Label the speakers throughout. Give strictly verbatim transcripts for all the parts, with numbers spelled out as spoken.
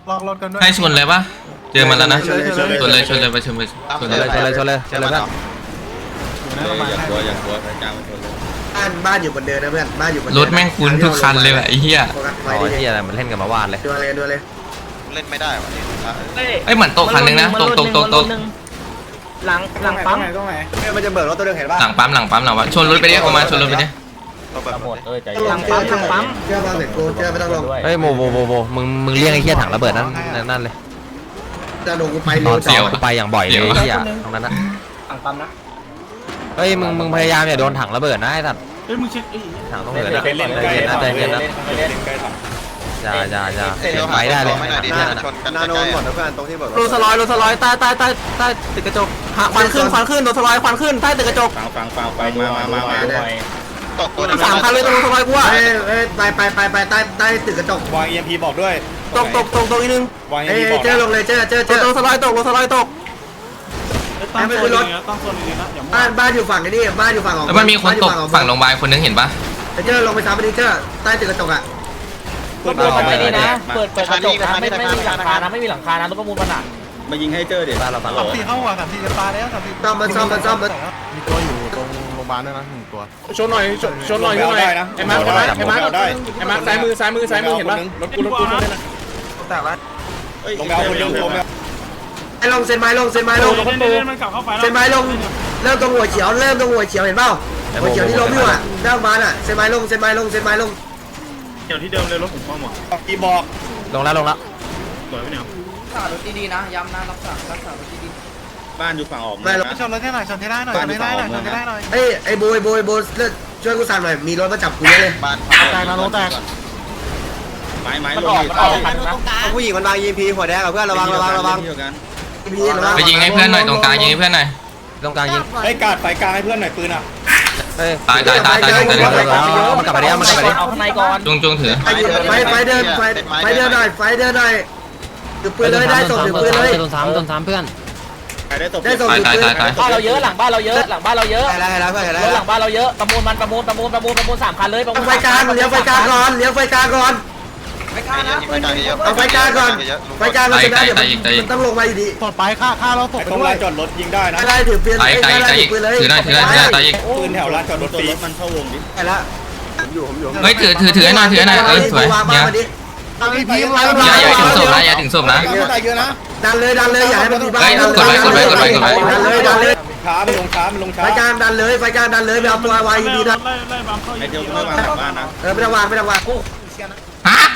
Speaker 1: ลอกรถกันด้วย
Speaker 2: ให้ชนเลยปะเจอมันแล้วนะชนเลยชนเลยไปชนไปชนเลยชนเลยชนเลยชนเลย
Speaker 3: อย่างกลัวอย่างกลัวใช้กลางชนเลย
Speaker 4: บ้านบ้านอยู่บนเดินนะเพื่อนบ้านอยู่บน
Speaker 2: รถแม่งคุ้นทุกคันเลยแบบไอ้เหี้ย
Speaker 5: อ๋อที่อะไรมันเล่นกันมาวาดเลย
Speaker 4: ดูเลยดูเลย
Speaker 3: เล่นไม่ได้วะ
Speaker 2: ไอ้เหมือนโต๊ะคันนึงนะโต๊ะโต๊ะโต๊ะโต๊ะ
Speaker 1: หลังหลังปั๊มตรงไหน
Speaker 4: มันจะเบิกรถตัวเดิมเห็นป่ะ
Speaker 2: หลังปั๊มหลังปั๊มหลังปั๊มชนรถไปดิออกมาชนรถไปดิ
Speaker 5: หมดเออใจ
Speaker 1: หลังปั๊มหลังปั๊ม
Speaker 4: เชื่อมาเสร็จกูเชื่อไม่ต้องลง
Speaker 5: เฮ้ยโมโมโมโมมึงมึงเรียกไอ้เหี้ยถังระเบิดนั่นนั่นเลย
Speaker 4: จะลงกูไป
Speaker 5: นอนเสียวกูไปอย่างบ่อยเลยไอ้เหี้ยตรงนั้นนะ
Speaker 1: หลังปั๊มนะ
Speaker 5: เฮ้ยมึงมึงพยายามอย่าโดนถังระเบิดนะไอ้สัตว์
Speaker 1: เฮ้ยมึงเช็ค
Speaker 5: ถังต้องเหลือนะใจเย็นนะใจเย็นนะอย่าอย่าอย่าไปได้เลย
Speaker 4: นาโนหมดนะเพื่อนตรงที่เบิกรถ
Speaker 1: โรสลอยโรสลอยใต้ใต้ใต้ใต้ตึกกระจกควันขึ้นควันขึ้นโรสลอยควันขึ้นใต้ตึกกระจก
Speaker 3: ฟังฟังฟังฟังมามามาตกตัว
Speaker 1: สามคันเลยตรงโรสลอยกูอ่ะ
Speaker 4: เฮ้ยเฮ้ยไปไปไปไปใต้ใต้ตึกกระจก
Speaker 3: วาง อี เอ็ม พี บอกด้วย
Speaker 1: ตกตกตกตกอีกนึง
Speaker 3: วาง
Speaker 4: เฮ้ยเจอลงเลยเจอเจอเจอ
Speaker 1: โรสลอยตกโรสลอยตก
Speaker 4: ตั้งโซนนี้ตั้งโซนนี้นะบ้านบ้านอยู่ฝั่งนี้บ้านอยู่ฝั่งของ
Speaker 2: แล้วมันมีคนตกฝั่งโรงพยาบาลคนนึงเห็นปะ
Speaker 4: เจอลงไปซ้ำไปดิเจอใต้ตึกกระจกอ่ะ
Speaker 5: เปิดไม่ดีนะเปิดเปิดกระจกนะไม่ไม่มีหลังคานะไม่มีหลังคานะรถประมูลมันอ่ะ
Speaker 3: มายิงให้เจอเดี๋ยว
Speaker 5: บ้านเราฝั่ง
Speaker 1: สามสี่เข้าว่ะสามสี่จะตายแล้วสามสี่
Speaker 4: ซ่อมมันซ่อมมันซ่อมมัน
Speaker 1: มีตัวอยู่ตรงโรงพยาบาลด้วยนะหนึ่งตัว
Speaker 6: ชนหน่อยชนหน่อยชนหน่อยไอ้มาร์คไอ้มาร์คไอ้มาร์คไอ้มาร์คซ้ายมือซ้ายมือซ้ายมือเห็นปะรถกูรถกูชนได้นะ
Speaker 1: แตกแล้ว
Speaker 3: ลงไปเอาคนลงลงไป
Speaker 4: ไอ้ลงเซนไม้ลงเซนไม้ลงเซนไม้ลงเริ่มตรงหัวเขียวเริ่มตรงหัวเขียวเห็นเปล่าหัวเขียวที่ล้มอยู่อ่ะด้านมาอ่ะเซนไม้ลงเซนไม้ลงเซนไม้ลง
Speaker 1: เขียวที่เดิมเลยรถผมเข้าหมด
Speaker 3: อีบอก
Speaker 5: ลงแล้วลงแล้ว
Speaker 1: สวยไหมเนี่ย
Speaker 7: รักษารถดีๆนะย้ำนะรักษารักษารถดี
Speaker 3: ๆบ้านอยู่ฝั่งออก
Speaker 4: ไม่
Speaker 1: ชนรถให้หน่อยชนให้ได้หน่อยชนให้ได้หน่อยชนให้ได้หน่อย
Speaker 4: เอ้ยไอ้โบยโบยโบยช่วยกูสั่งหน่อยมีรถมาจับกูเลย
Speaker 3: บ้าน
Speaker 1: แตกนะรถแตก
Speaker 3: ไม้ไม้ลง
Speaker 4: ผู้หญิงมันวางยีพีหัวแดงกับเพื่อนระวังระวังระวัง
Speaker 2: ไปยิงให้เพื่อนหน่อยตรงกลางยิงให้เพื่อนหน่อย
Speaker 5: ตรงกลางยิง
Speaker 3: ไอ้กาดไฟกลางให้เพื่อนหน่อยปืนอ่ะ
Speaker 2: ตายตายตายตายตาย
Speaker 5: มันกลับไปได้มันกลับไปได้
Speaker 7: เอาข้างในก่อน
Speaker 2: จงจงถือ
Speaker 4: ไฟไฟเดินไฟไฟเดินหน่อยไฟเดินหน่อยถือปืนเลยได้ส่งถือปืนเลย
Speaker 5: โดนซ้ำโดนซ้ำเพื่อน
Speaker 4: ได้ส่งถือปืน
Speaker 2: ตายตายตาย
Speaker 7: บ้านเราเยอะหลังบ้านเราเยอะหลังบ้านเราเยอะ
Speaker 4: อะไรอะไรเพื่อนอะไร
Speaker 7: หลังบ้านเราเยอะประมูลมันประมูลประมูลประมูลประมูลสามคันเลยประมูล
Speaker 4: ไฟกลางเลี้ยวไฟกลางก่อนเลี้ยวไฟกลางก่อน
Speaker 7: ไม่กล้านะ
Speaker 4: เอาไฟกลางก่อนไฟกลางเราจะได้เดี๋ยวมันต้องลงมาอยู่ดี
Speaker 1: ตดไปฆ่าฆ่าเราตกไป
Speaker 3: ตรงลานจอดรถยิงได้นะ
Speaker 4: ได้ถือปืน
Speaker 2: ตายตายตายถือได้ถือได้ถือได้ตายอีก
Speaker 3: ปืนแถวลานจอดรถฟรีมันเข้าวงดิ
Speaker 4: ไปละผมอยู่ผมอยู่
Speaker 2: เฮ้ยถือถือถือหน่อยถือหน่อยเออสวยเนี่ยอย่าอย่าถึงศพนะอย่าถึงศพนะ
Speaker 4: ดันเลยดันเลยอย่าให้มันมีบ้าน
Speaker 2: กดไว้กดไว้กดไว้กดไว้
Speaker 4: ดันเลยดันเลย
Speaker 3: ช้ามันลงช้ามันลงช้า
Speaker 4: ไฟกลางดันเลยไฟกลางดันเลยไปเอาตัววายดีนะ
Speaker 3: ไอเดียวไม่วางหลังบ้านนะ
Speaker 4: เออไม่ต้องวางไม่ต้องวาง
Speaker 2: ฮะ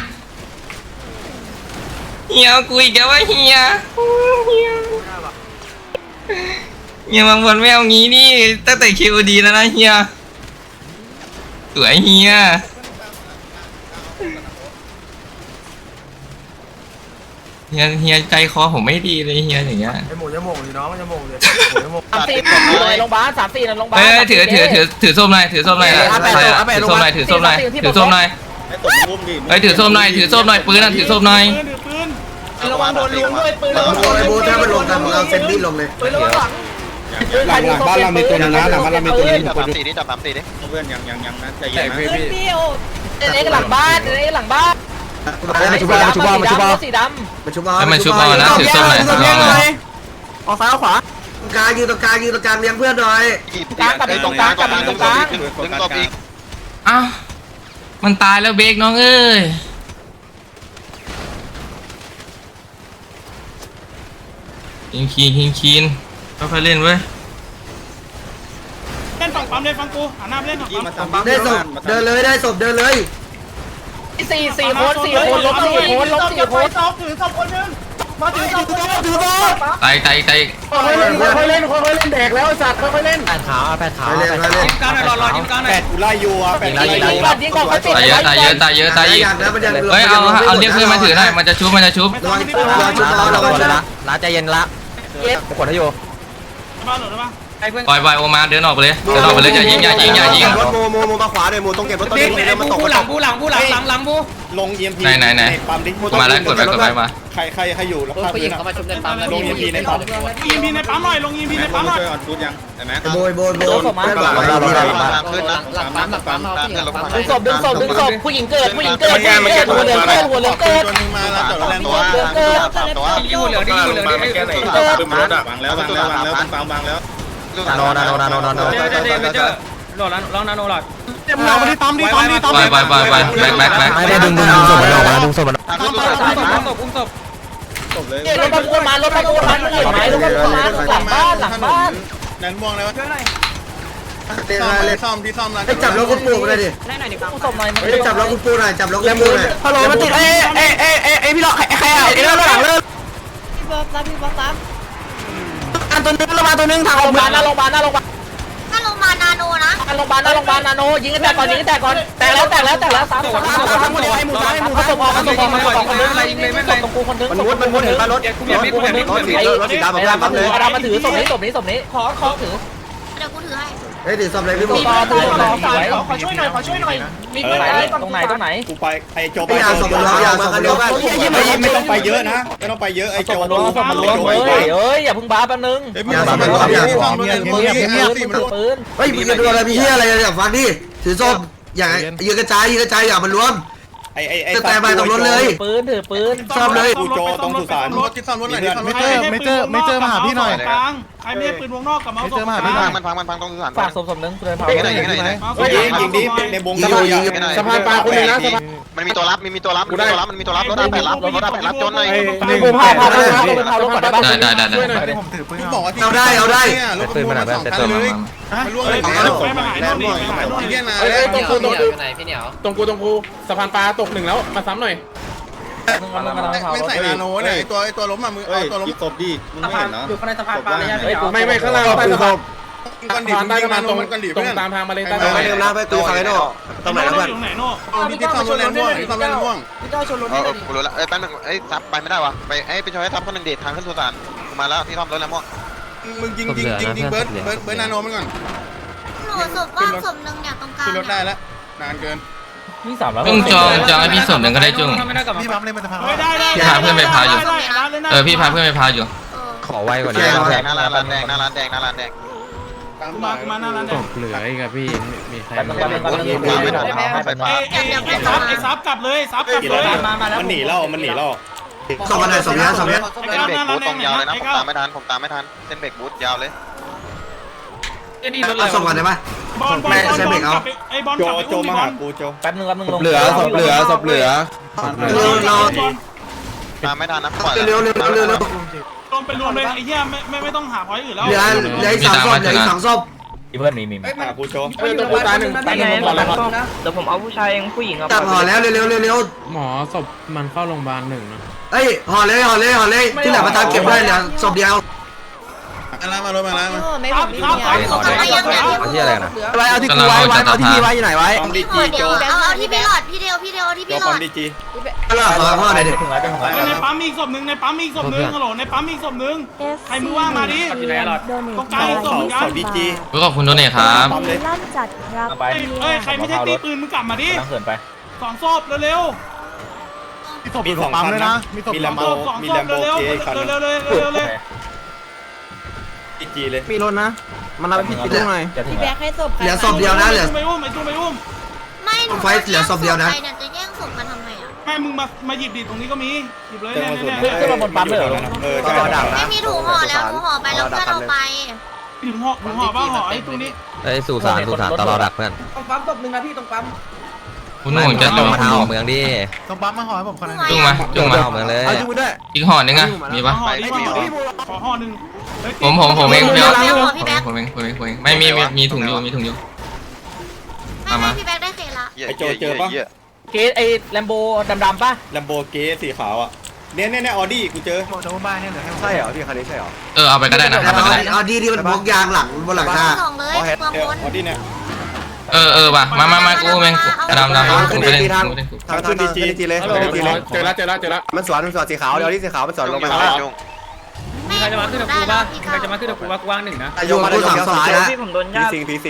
Speaker 2: เฮียกูอีกแล้วว่าเฮียเฮียเฮียบางคนไม่เอางี้นี่ตั้งแต่คิวดีแล้วนะเฮียสวยเฮียเฮียเฮียใจคอผมไม่ดีเลยเฮียอย่างเงี้ย
Speaker 1: ไอหมูจะหมูดิน้องจะหมูดิจะหมู
Speaker 7: สามสี่เลยโรงพยาบาลสามสี่ในโรงพยาบาล
Speaker 2: เฮ้ยถือถือถือถือส้มหน่อยถือส้มหน่อยถือส้มหน่อยถือส้มหน่อยถือส้มหน่อยเฮ้ยถือส้มหน่อยถือส้มหน่อยปืนน่ะถือส้มหน่อย
Speaker 7: ระวังโดนลุงด้วยปืนระวังโดน
Speaker 4: ไอ้โบถ้ามันลงกันเราเซนบี้ลงเลย
Speaker 7: ปืนระวังหลัง
Speaker 3: หลังหลังบ้านเรามีตัวนึงนะหลังบ้านเรามีตัวนึงจับสามสี่ดิจับสามสี่ดิเพื่อนยังยังยังนะใจเย็นนะ
Speaker 7: ปืนพี่โอ้เอ็กหลังบ้านเอ็กหลังบ้าน
Speaker 4: มาชุบมาชุบมาชุบมา
Speaker 7: สีดำ
Speaker 4: มาชุบมา
Speaker 2: มันชุบเอานะถือส้มหน่อยถือส้มหน่อย
Speaker 1: ออกซ้ายออกขวา
Speaker 4: ตรงกลางยืนตรงกลางยืนตรงกลางเลี้ยงเพื่อนหน่อย
Speaker 7: กลางกับตรงกลางกับตรงกลาง
Speaker 2: อ้าวมันตายแล้วเบรกน้องเอ้ยยิงคีนยิงคีนค่อยๆเล่นเว้ย
Speaker 1: เล่นฝั่งปั๊มเลยฟังกูหันหน้าไปเล่นฝั่งปั๊ม
Speaker 4: ได้ศพเดินเลยได้ศพเดินเลย
Speaker 7: สี่สี่คนสี่คนล้มสี่คนล้มสี่คน
Speaker 1: ถือศพคนนึงมาถือศพถือศพถือศพ
Speaker 2: ตายตายตาย
Speaker 1: ค่อยเล่นค่อยเล่นค่อยเล่นแดกแล้วสัตว์ค่อยเล่น
Speaker 5: แปดขาวแปดขาว
Speaker 4: แปดขาว
Speaker 7: ยิ้มกลางหน่อยรอรอยิ้มกลางหน่อย
Speaker 3: แปดกูไล่อยู่อ่ะแปดไล่
Speaker 7: ยิงก่อนยิงก่อนเขาติด
Speaker 2: ตายเยอะตายเยอะตายเยอะตายอีกเฮ้ยเอาเอาเรียกเพื่อนมาถือหน่อยมันจะชุบมันจะชุบ
Speaker 4: ระวังระวังชุบระวังระวัง
Speaker 5: ละละใจเย็นละกดให้โย
Speaker 1: บ้านหรือเปล่า
Speaker 2: ปล่อยปล่อยโอมาเดินออกไปเลยเดินออกไปเลยอย่ายิงอย่ายิงอย่ายิง
Speaker 4: รถโมโมโมมาขวาเลยโมต้องเก็บรถตัวนี้เลยมันตก
Speaker 7: หลังบูหลังบูหลังหลังหลังบู
Speaker 3: ลง อี เอ็ม พี
Speaker 2: ไหนไหนไหนมาแล้วกดไปกดไปมา
Speaker 3: ใครใครใครอยู่แล้วพา
Speaker 7: ผู้หญิงเขามาชุบในปั๊มแล้ว
Speaker 3: ลง อี เอ็ม พี ในปั๊ม
Speaker 1: อีพีในปั๊มหน่อยลงอีพีในปั๊มหน่อย
Speaker 3: ช่วยออนฟูดยังเห็นไหม
Speaker 4: โบยโบยโบย
Speaker 7: หลังปั๊มหลังปั๊มดึงศพดึงศพดึงศพผู้หญิงเกิดผู้หญิงเกิดหัวเหลืองเกิดหัวเหลืองเกิด
Speaker 3: ตัวนึงมาแล้วแต่แรงตัว
Speaker 7: เหลืองเกิด
Speaker 3: สามตัว
Speaker 6: อยู่เหลืองดิอยู่เหลืองดิไอ้ไหน
Speaker 3: ปืนรถอ่ะวางแล้ววางแล้ววางแล้วฟังวางแล้ว
Speaker 5: นาโนนาโนนาโนนาโน
Speaker 6: เดี๋ยวเดี๋ยวเดี๋ยวหลอดแล้วลองนาโนหลอด
Speaker 3: เราไม่ได้ตอมดิตอมดิตอม
Speaker 2: ไปไปไปไปแบ็คแบ็คแบ็ค
Speaker 5: ไม่ได้ดึงดึงดึงศพมันออกมาดึงศพมัน
Speaker 3: ตามตัว
Speaker 6: ศพอุ้มศพ
Speaker 3: จบเลย
Speaker 7: รถบรรทุกมารถบรรทุกมาเห็นไหมรถบรรทุกมาหลังบ้านหลังบ้าน
Speaker 3: นั่นม่วงเลยวะ
Speaker 4: เตะ
Speaker 3: ซ่อม
Speaker 4: มาเลย
Speaker 3: ซ่อมที่ซ่อมร้าน
Speaker 4: ไปจับรถคุณปู่มาเลยดิ
Speaker 7: ศพหน่อย
Speaker 4: ไปจับรถคุณปู่หน่อยจับรถคุณปู่หน่อย
Speaker 1: ฮัลโหลมันติดเอ้เอ้เอ้เอ้เอ้พี่หลอกใครใครอ่ะไอ้เรื่องหลังเลิก
Speaker 7: พี่บ๊อบรับพี่บ๊อบรับ
Speaker 1: อันตัวนึงเรามาตัวนึงทาง
Speaker 7: โร
Speaker 1: โรง
Speaker 7: พ
Speaker 1: พ
Speaker 7: ยาย
Speaker 1: า
Speaker 7: บา
Speaker 1: บา
Speaker 7: ล
Speaker 1: ล
Speaker 7: หน้า
Speaker 1: นะ
Speaker 7: โรงพยาบาลหน้าโรงพยาบาล
Speaker 8: ถ้าลงมานาโนนะ
Speaker 7: หน้าโรงพยาบาลหน้าโรงพยาบาลนาโนยิงกันแต่ก่อนยิงกันแต่ก่อนแตกแล้วแตกแล้วแตกแล้วสามสามสามสามคนเดียวให้หมูซ้ายหมูซ้ายศพออกศพออกมาก่อนคนนึงศพตรงกูคนนึง
Speaker 4: มันมุดมันมุดเห็นป่ะรถ
Speaker 6: กูเปลี่ยนมีดกูเปลี่ยนมีด
Speaker 4: รถสีรถสีดำ
Speaker 7: ไอ้ดำมาถือไอ้ดำมาถือศพนี้ศพนี้ศพนี้ขอขอถือ
Speaker 8: เดี๋ยวกูถือให้
Speaker 4: เฮ้ยถือศพเลยพี่
Speaker 7: ต่
Speaker 4: บุ๊
Speaker 7: อ
Speaker 4: ค
Speaker 7: ต่อต่อต่อขอช่วยหน่อยขอช่วยหน่อยมีตรงไหนตรงไหนตรงไหน
Speaker 3: กูไปไอโจไป
Speaker 4: ไม่เอาศพมันล้มยาวศพมันล้ม
Speaker 3: ไม่ต้องไปเยอะนะไม่ต้องไปเยอะไอ
Speaker 7: ศ
Speaker 3: โจ
Speaker 7: พมันล้มศพมันล้มเฮ้ยเฮ้ยอย่าเพิ่งบ้าแป๊บนึง
Speaker 3: เฮ้ยมึงซ่อมรถที่ซ่อมรถในมือที่
Speaker 7: ปื
Speaker 3: ห้าน สี่
Speaker 7: ปื
Speaker 3: มัน
Speaker 7: นปืน
Speaker 4: เฮ้ยมึงจะดูอะไรมีเฮียอะไรเนี่ยฟังดิถือศพอย่ายืนกระจายยืนกระจายอย่ามันรวม
Speaker 3: ไอไอไอ
Speaker 4: จะแต่ไปตรงรถเลย
Speaker 7: ปืนถือปืน
Speaker 4: ซ่อมเลย
Speaker 3: กูโจตรงสุสานรถที่ซ่อมรถหน่อยที่ซ่อมรถ
Speaker 9: ไม่เจอไม่เจอไม่เจอมาหาพี่หน่อย
Speaker 6: กลางใครไม่ได้ปืนวงนอกกับเมาส์
Speaker 9: เจอมาหาพี่หน่อย
Speaker 3: มันพังมันพังตรงสุสาน
Speaker 7: ฝากศพศพนึงเดินพา
Speaker 3: ยิงหน่อยยิงหน่อยยิงยิงดิในวง
Speaker 6: สะพานปลาคนนึงนะสะพาน
Speaker 3: มันมีตัวรับมีมีตัวรับมีตัวรับมันมีตัวรับรถอาแปดรับรถอาแปดรับจนหน่อย
Speaker 7: กูพาพาพาพาเป็นพารถก่อนได้ปะ
Speaker 2: ได้ได้ได้ได้
Speaker 3: กูบอกว่า
Speaker 4: เอาได้เอาได้
Speaker 3: รถขบวนมาสองคันเลยมันล่วงเลย
Speaker 6: ไปมาหายโน่นดิไปหายโน่นดิ
Speaker 3: เงี้ยนะ
Speaker 6: เฮ้ยตรงกูตรงกู
Speaker 7: ไหนพี่เหนียว
Speaker 6: ตรงกูตรงกูสะพานปลาตกหนึ่งแล้วมาซ้ำหน่อย
Speaker 3: ไม่ใส่นาโนเนี่ยไอตัวไอตัวล้มอ่ะมือเอาตัวล้มตบดิมึงไม่เห็นเนาะ
Speaker 7: อยู่ข้างในสะพานปลาระยะ
Speaker 6: เฮ้ยไม่ไม่ข้างล่างใต้สะพาน
Speaker 3: กันดิ
Speaker 6: สะพานใต้
Speaker 3: ใต้
Speaker 6: สะพานตรง
Speaker 3: กันดิ
Speaker 6: ตรง
Speaker 3: เพื่อน
Speaker 6: ตามทางมาเลยใต้
Speaker 4: ไป
Speaker 6: สะพาน
Speaker 4: เร็วนะไปกูฟังไอ้โน่ตรงไหนนะเพื่อน
Speaker 3: ที่ที่ซ่อมรถแรงม่วงที่ซ่อมรถแรงม่วง
Speaker 7: พี่เจ้าชนรถนี่เลยดิ
Speaker 3: กูรู้แล้วเอ้ยแป๊บนึงเอ้ยซับไปไม่ได้วะไปเอ้ยไปช่วยซับคนหนึ่งเดททางขึ้นสุสานกูมาแล้วที่ซ่อมรถแรงม่วงมึงยิงยิงยิงยิงเบิร์ดเบิร์ดเบิร์ดนาโนมันก่อน
Speaker 8: หนูศพว่างศพหนึ่งเนี่ยตรงกลาง
Speaker 3: ขึ้นรถได้แล้วนานเกิน
Speaker 7: นี่สามแล้ว
Speaker 2: จุ้งจองจองให้พี่สมหนึ่งก็ได้จุ้ง
Speaker 9: พี่ปั๊มเลยมันจะพัง
Speaker 6: ได้ได้
Speaker 2: พี่พาเพื่อนไปพาอยู่ เออพี่พาเพื่อนไปพาอยู่
Speaker 8: เออ
Speaker 5: ขอไวกว่านี้
Speaker 3: แดงหน้าร้านแดงหน้าร้านแดงหน้าร้านแดง
Speaker 6: กูมากูมาหน้าร้านแดง
Speaker 9: เหลืออีกอะพี่มีใคร
Speaker 7: แป๊บนึงแป๊บนึงแป๊บนึงไม่ทันไม่ทัน
Speaker 6: ไอ้ไอ้ไอ้ซับไอ้ซับกลับเลยซับกลับเลย
Speaker 7: มามาแล้ว
Speaker 3: มันหนีเรามันหนีเรา
Speaker 4: ศพมันไหนศพนี้ศพนี้
Speaker 3: เส้นเบรกบูทตรงยาวเลยนะผมตามไม่ทันผมตามไม่ทันเส้นเบรกบูทยาวเลย
Speaker 4: เอาศพก่อนได้ปะ
Speaker 6: บอลบอลบอลบอลกลับไปไอ้บอล
Speaker 3: โจ
Speaker 6: กลับไป
Speaker 3: โจ
Speaker 6: อุ้ม
Speaker 3: มา
Speaker 6: บอ
Speaker 3: หา
Speaker 6: ล
Speaker 3: กูโจ
Speaker 7: แป๊บนึงแป๊บนึงลง
Speaker 9: เหลือศพเหลือศพเหลือ
Speaker 4: เราเรา
Speaker 3: ตามไม่ทันนะปล่อย
Speaker 4: เร็วเร็วเร็วเร็ว
Speaker 6: รวมเป็นรวมเลยไอ้เหี้ยไม่ไม่ไม่ต้องหาพอยต์อื่นแล้ว
Speaker 4: เหลือเหลืออีกสองศพเหลืออีกสองศพ
Speaker 7: อีเพื่อนมีมี
Speaker 3: หากูโจ
Speaker 6: เออตัวกูตายหนึ่งตายหนึ่งก่อนแล้วครับ
Speaker 7: เดี๋ยวผมเอาผู้ชายเองผู้หญิงเอา
Speaker 4: จับห่อแล้วเร็วเร็วเร็วเร็ว
Speaker 9: หมอศพมันเข้าโรงพยาบาลหนึ่งนะ
Speaker 4: เอ้ยห่อเลยห่อเลยห่อเลยที่เหลือมาตามเก็บได้เหลือศพเดียว
Speaker 3: อะไรมาลงมาแล้วมา
Speaker 7: ไม่ผมมีเนี่ย
Speaker 8: เอากลับมายังเนี่ย
Speaker 5: เอาที่อะไรนะ
Speaker 1: ไว้เอาที่กูไว้ไว้เอาที่พี่ไว้อยู่ไหนไว้
Speaker 3: ปอมดี
Speaker 8: พี่
Speaker 3: จี
Speaker 8: เดี
Speaker 3: โจ
Speaker 8: ยวเอาเอาที่พี่หลอดพี่เดียวพี่เดียวที่
Speaker 3: โจ
Speaker 8: พี่หล
Speaker 3: ปอ
Speaker 8: อ
Speaker 3: ม
Speaker 8: ด
Speaker 3: ดีจี
Speaker 4: ห่อห่อห่อหน่อยดิ
Speaker 7: ถึงแล้วถึงแล้ว
Speaker 6: ในปั๊มมีอีกศพหนึ่งในปั๊มมีอีกศพหนึ่งฮัลโหลในปั๊มมีอีกศพหนึ่งใครมือว่างมาดิตรงกลางอีกศพ
Speaker 3: เขา
Speaker 6: เหมือนกั
Speaker 3: เขา
Speaker 6: น
Speaker 3: ดีจี
Speaker 2: ขอบคุณโดเนทครับ
Speaker 3: ปอมเลย
Speaker 8: ลั่นจัดรับ
Speaker 7: ไป
Speaker 6: เอ้ยใครไม่ใช่ตีปืนมึงกลับมาดิ
Speaker 7: ตั้งเขินไป
Speaker 6: สองศพเร็ว
Speaker 3: มีสองคันนะมีแลม
Speaker 6: ๆ
Speaker 3: โบ
Speaker 6: สอง
Speaker 3: มี
Speaker 6: ศ
Speaker 3: แล
Speaker 6: พ
Speaker 3: มโบ
Speaker 6: เร็ว
Speaker 3: เกคัน
Speaker 6: ๆเร็วๆเร็วๆเร็วๆเร็ว
Speaker 3: ดีจีเลย
Speaker 1: มีรถนะ มันรับไปผิดที่ตรงไหน
Speaker 7: พี่
Speaker 8: แบ
Speaker 7: แบ๊
Speaker 8: กให้ศพ
Speaker 4: เหลือศพเดียวนะเหลือ
Speaker 6: ๆไปอุ้มไอ้ตู้ไปอุ้ม
Speaker 8: ไม่หนู
Speaker 4: ไฟเหลือศพเดียวนะ
Speaker 8: ใครเนี่ยจะแย่งศพมาทำไมอ่ะ
Speaker 6: แม่มึงมามาหยิบดิตรงนี้ก็มีหยิบเลย
Speaker 3: เจ้า
Speaker 6: เนี่ย
Speaker 3: ส่วน
Speaker 6: เนี่ย
Speaker 7: ขึ้นมาบนปั๊มเลยเหรอ
Speaker 3: เออใช่
Speaker 8: ไม่มีถุงห่อแล้วถุงห่อไปแล้วเพื่อนเอาไป
Speaker 6: ถึงห่อถึงห่อบ้าห่อไอ้ตู้นี้
Speaker 5: เอ้ยสู่สารสู่สารตลอดดักเพื่อน
Speaker 7: ตรงปั๊มศพหนึ่งนะพี่ตรงปั๊ม
Speaker 2: คุณหนุ่มจะจุ้ง
Speaker 5: มาทางออกเมืองดิ
Speaker 9: ต้องปั๊มมาห่อให้ผมคนนึง
Speaker 2: จุ้งมาจุ้งมา
Speaker 5: ออกเมืองเลย
Speaker 1: เอาจุ้งด้วย
Speaker 2: อีกห่อนึงอ่ะมีปะ
Speaker 6: ห่อดิขอห่อหนึ่ง
Speaker 2: ผมผมผมเองเดี๋ยว
Speaker 8: แล้วห่อพี่แบ๊ก
Speaker 2: ผมเองผมเองผมเองไม่มีมีมีถุงอยู่มีถุงอยู่
Speaker 8: ไม่ไม่พี่แบ๊กได้เคละ
Speaker 3: ไอโจเจอปะ
Speaker 7: เกสไอ้แลมโบดำๆป่ะ
Speaker 3: แลมโบเกสีขาวอ่ะเนี่ยเนี่ยเนี่ยออดี้กูเจอ
Speaker 9: โดนบ้านเนี่ยเหลือแค่
Speaker 4: ใช่เหรอพี่คันนี้ใช่เหรอ
Speaker 2: เออเอาไปก็ได้นะเอาไปก็ได้
Speaker 4: เอาดีที่มันพกยางหลังบนหลังคา
Speaker 8: สองเลยเปลือง
Speaker 3: เออบ
Speaker 8: น
Speaker 3: ออดี้เนี่ย
Speaker 2: เออเออว่ะมามามากูแม่งดำดำดำกูไปเล่นกูไปเล่นกู
Speaker 4: ทางขึ้นดีจีจีเลย
Speaker 6: ฮัลโหลเจอแล้วเจอแล้วเจอแล้ว
Speaker 4: มันสวนมันสวนสีขาวเดี๋ยวที่สีขาวมันสวนลงมา
Speaker 8: ไม่ใครจะมาขึ้นกับกูบ้างใครจะมาขึ้นกับกูบ้าง
Speaker 4: อายุมาได้สองสายแล้ว
Speaker 7: พี่ผมโดน
Speaker 3: พี
Speaker 7: ญาติ
Speaker 3: ซิงพีซิ